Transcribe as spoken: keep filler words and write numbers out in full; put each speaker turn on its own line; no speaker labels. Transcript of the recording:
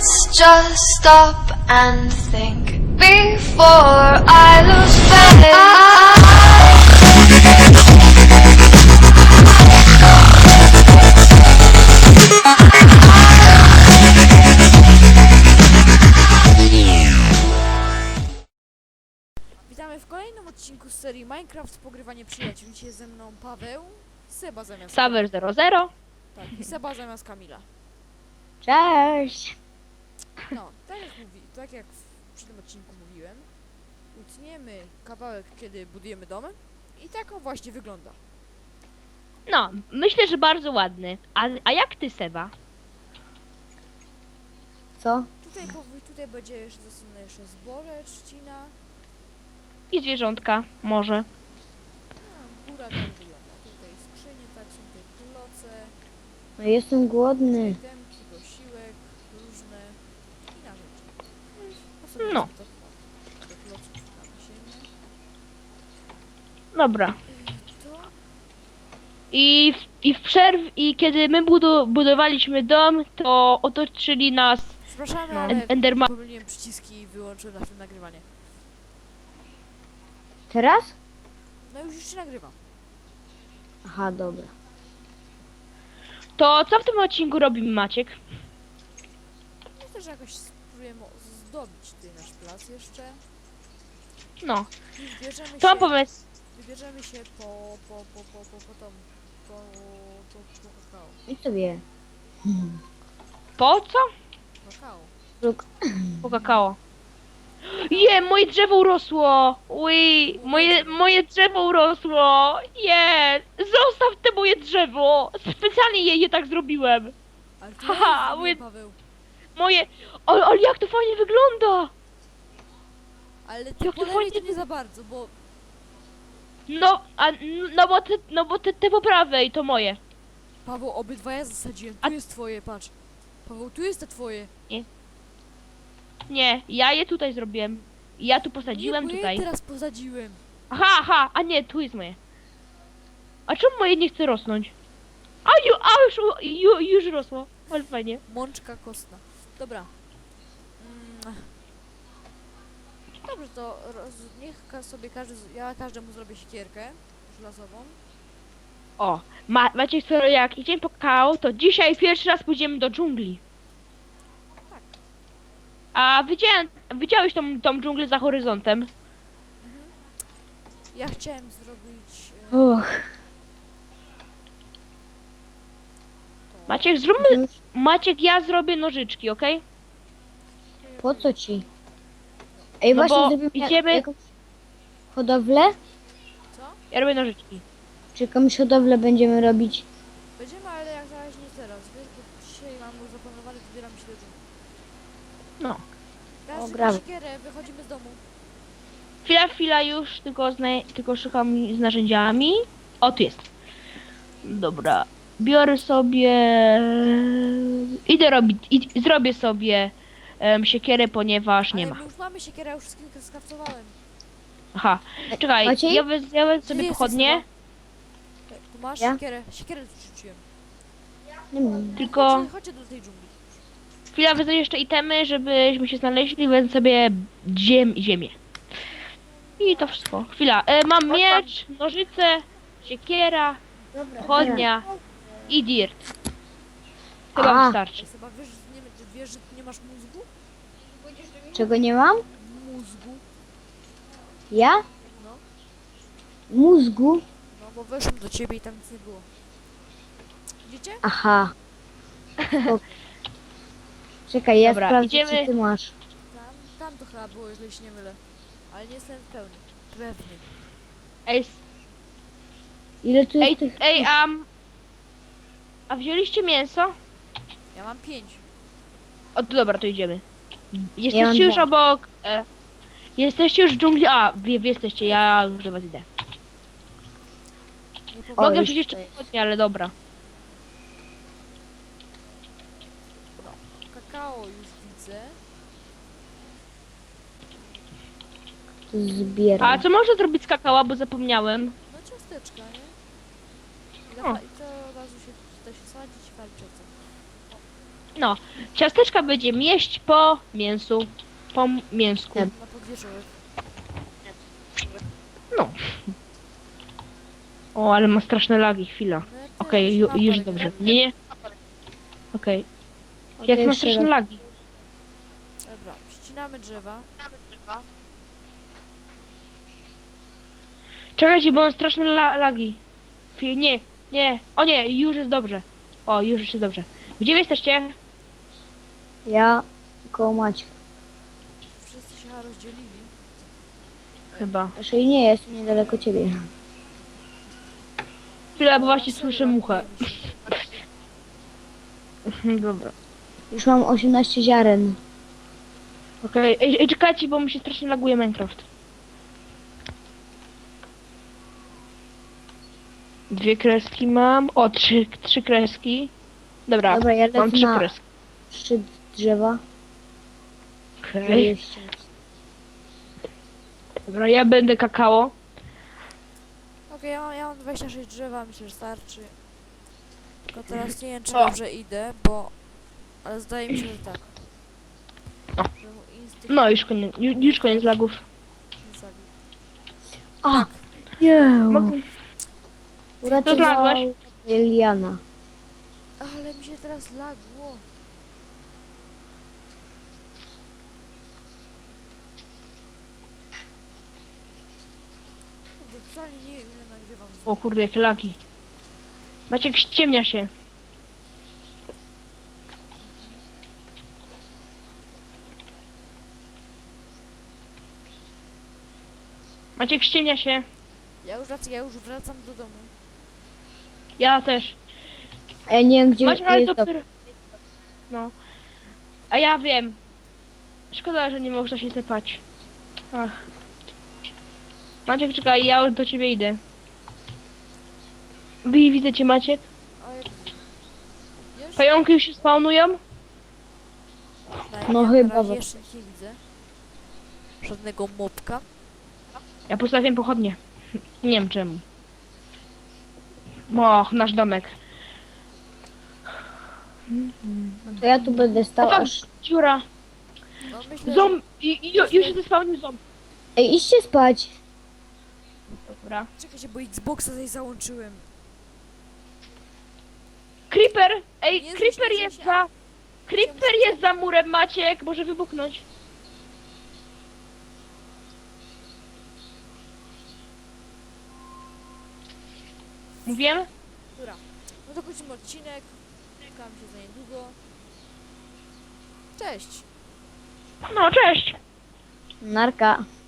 Let's just stop and think before I lose faith.
Witamy w kolejnym odcinku z serii Minecraft Pogrywanie Przyjaciół. Dzisiaj jest ze mną Paweł, Seba zamiast
Saver zero zero.
Tak, i Seba zamiast Kamila.
Cześć!
No, tak jak, mówi, tak jak w, przy tym odcinku mówiłem, utniemy kawałek, kiedy budujemy dom i tak on właśnie wygląda.
No, myślę, że bardzo ładny. A, a jak ty, Seba?
Co?
Tutaj, powój, tutaj będzie jeszcze zasunę jeszcze zboże, trzcina.
I zwierzątka, może.
No, góra tak wygląda. Tutaj skrzynie, tak są tutaj kloce,
No jestem głodny.
itemki, posiłek, różne i narzędzia. No. i
No.
To, do kloców na ziemię.
Dobra.
To
I w, i w przerw... I kiedy my budu, budowaliśmy dom, to otoczyli nas
Przepraszamy,
No.
ale
Enderman.
pomyliłem przyciski i wyłączyłem na tym nagrywanie.
Teraz?
No już już się nagrywa.
Aha, dobra.
To co w tym odcinku robimy, Maciek?
Myślę, że jakoś spróbujemy zdobić tutaj nasz plac jeszcze.
No,
I wybierzemy
to mam
się,
pomysł.
wybierzemy się po, po, po, po, po, po, tom, po, po, po kakao.
I sobie.
Po co?
Kakao.
Luk.
Po kakao. Je, moje drzewo urosło! Ui, moje, moje drzewo urosło! Je, zostaw te moje drzewo! Specjalnie je, je tak zrobiłem.
Ale to
Haha,
ja
moje-
mówię, Paweł.
Moje... Ale, ale jak to fajnie wygląda!
Ale ty
Jak
po
to
lewej
fajnie
to nie za bardzo, bo
No, a, no bo te, no bo te, te po prawej to moje.
Paweł, obydwa zasadziłem. Tu
A-
jest twoje, patrz. Paweł, tu jest te twoje.
Nie, ja je tutaj zrobiłem. Ja tu
Nie,
posadziłem
bo
tutaj.
ja teraz posadziłem.
Aha, aha, a nie, tu jest moje. A czemu moje nie chce rosnąć? A, ju, a już, ju, już rosło. Ale fajnie.
Mączka kostna. Dobra. Mm. Dobrze, to roz, niech ka- sobie każdy, z- ja każdemu zrobię siekierkę żelazową.
O, ma, macie co, jak idziemy po kakao, to dzisiaj pierwszy raz pójdziemy do dżungli.
Tak.
A widziałem, widziałeś tą, tą dżunglę za horyzontem?
Ja chciałem zrobić... E,
Och.
to,
Maciek, zróbmy, Maciek, ja zrobię nożyczki, okej?
Po co ci? Ej,
No
właśnie
bo
zrobimy
idziemy-
jakąś hodowlę?
Co?
Ja robię nożyczki.
Czy jakąś hodowlę będziemy robić?
Będziemy, ale jak na razie nie teraz, wiesz, bo dzisiaj mam już zaplanowane, wybieram się do dżungli.
No.
Każdy ma
gramy.
siekierę, wychodzimy z domu.
Chwila, chwila już, tylko, zna, tylko szukam z narzędziami. O, tu jest. Dobra. Biorę sobie... Idę robić, id, zrobię sobie um, siekierę, ponieważ nie
Ale
ma.
my już mamy siekierę, ja już wszystkim skraftowałem.
Aha, czekaj,
Maciej?
ja wez, ja wezmę
Gdzie
sobie
jesteś,
pochodnie,
Seba? Tu masz
Ja?
siekierę, siekierę tu rzuciłem.
Nie wiem.
tylko
Chodźcie, chodźcie do tej dżungli.
chwila wezmę jeszcze itemy, żebyśmy się znaleźli, wezmę sobie ziem, ziemię. I to wszystko. Chwila, e, mam miecz, nożyce, siekiera, pochodnia i dirt. Chyba
A.
wystarczy.
Ej, Seba, wiesz, że nie, ty wiesz, że ty nie masz mózgu?
Czego nie mam?
Mózgu.
Ja?
No.
Mózgu?
No, bo weszłem do ciebie i tam nic nie było. Widzicie?
Aha. O. Czekaj, ja
Dobra,
sprawdzę,
idziemy.
co ty masz.
Tam, tam to chyba było, jeżeli się nie mylę. Ale nie jestem pełny. Pewny.
Ej, s-
Ile tu
ej,
jest tych...
ej, a... A wzięliście mięso?
Ja mam pięć.
O, to dobra, to idziemy.
mam
Jesteście już
dwa.
obok... E, jesteście już w dżungli... A, wy, wy jesteście, ja już do was idę.
Nie
O,
Mogę
już
wziąć jeszcze
tutaj.
pochodnie, ale dobra.
Kakao już widzę.
Zbieram.
A co można zrobić z kakała, bo zapomniałem?
No ciasteczka, nie? I,
O.
to, i to od razu się da się sadzić i walczyć.
No, ciasteczka będziemy jeść po mięsu. Po m- mięsku.
Nie.
Na podwieczorek.
No. O, ale ma straszne lagi, chwila.
No ja też
Okej, ju-
mam
już
parę
dobrze.
gram.
Nie, nie. Okej.
O,
Jak
to
ma
jeszcze
straszne
raz.
lagi.
Dobra, ścinamy drzewa.
Czekajcie, bo mam straszne la lagi. Chwil- Nie, nie. O nie, już jest dobrze. O, już jest dobrze. Gdzie wy jesteście?
Ja koło Maćka.
Wszyscy się chyba rozdzielili.
Chyba.
Raczej nie, jest niedaleko ciebie.
Chwila, bo właśnie słyszę muchę. Dobra.
Już mam osiemnaście ziaren.
Okej, ej, ej, czekajcie, bo mi się strasznie laguje Minecraft. Dwie kreski mam. O, trzy, trzy kreski. Dobra,
Dobra, ja
mam
lecę
trzy
na
kreski.
szczyt drzewa. żeby
Okej.
je ściąć.
Dobra, ja będę kakao.
Okej, ja, mam- ja mam dwadzieścia sześć drzewa, myślę, że starczy. Tylko teraz nie wiem, czy
O.
dobrze idę, bo... Ale zdaje mi się, że tak.
O.
Że mój instynkt
No, już koniec, już, już koniec lagów.
mnie zabił.
A! Nie!
Mogę...
Uratował
znalazłeś?
Liliana.
Ale mi się teraz lagło. Kurde, wcale nie wiem, ile nagrywam.
O kurde, jakie lagi. Maciek, ściemnia się. Maciek, ściemnia się.
Ja już wracam, ja już wracam do domu.
Ja też.
A ja nie wiem, gdzie
Maciek, ale
jest to.
dopiero... No. A ja wiem. Szkoda, że nie można się tepać. Ach. Maciek, czekaj, ja już do ciebie idę. Wy widzę cię, Maciek?
A jak... Wiesz?
Pająki już się spawnują?
Na-
No
ja
chyba
na razie
bo-
jeszcze nie widzę. Żadnego mopka.
Ja postawiłem pochodnie. Nie wiem czemu. Och, nasz domek.
To ja tu będę
O
stał
tak,
aż...
dziura.
No myślę,
Ząb... I, i, już się zespałnił ząb.
Ej, idźcie spać.
Dobra.
że... Czekajcie, bo Xboxa tutaj załączyłem.
Creeper! Ej,
Jezus,
Creeper
Jezus,
jest
ja-
za... Creeper jest za murem, Maciek! Może wybuchnąć. Mówiłem?
Dobra. No to kończymy odcinek. Spotkamy się za niedługo. Cześć!
No, cześć!
Narka.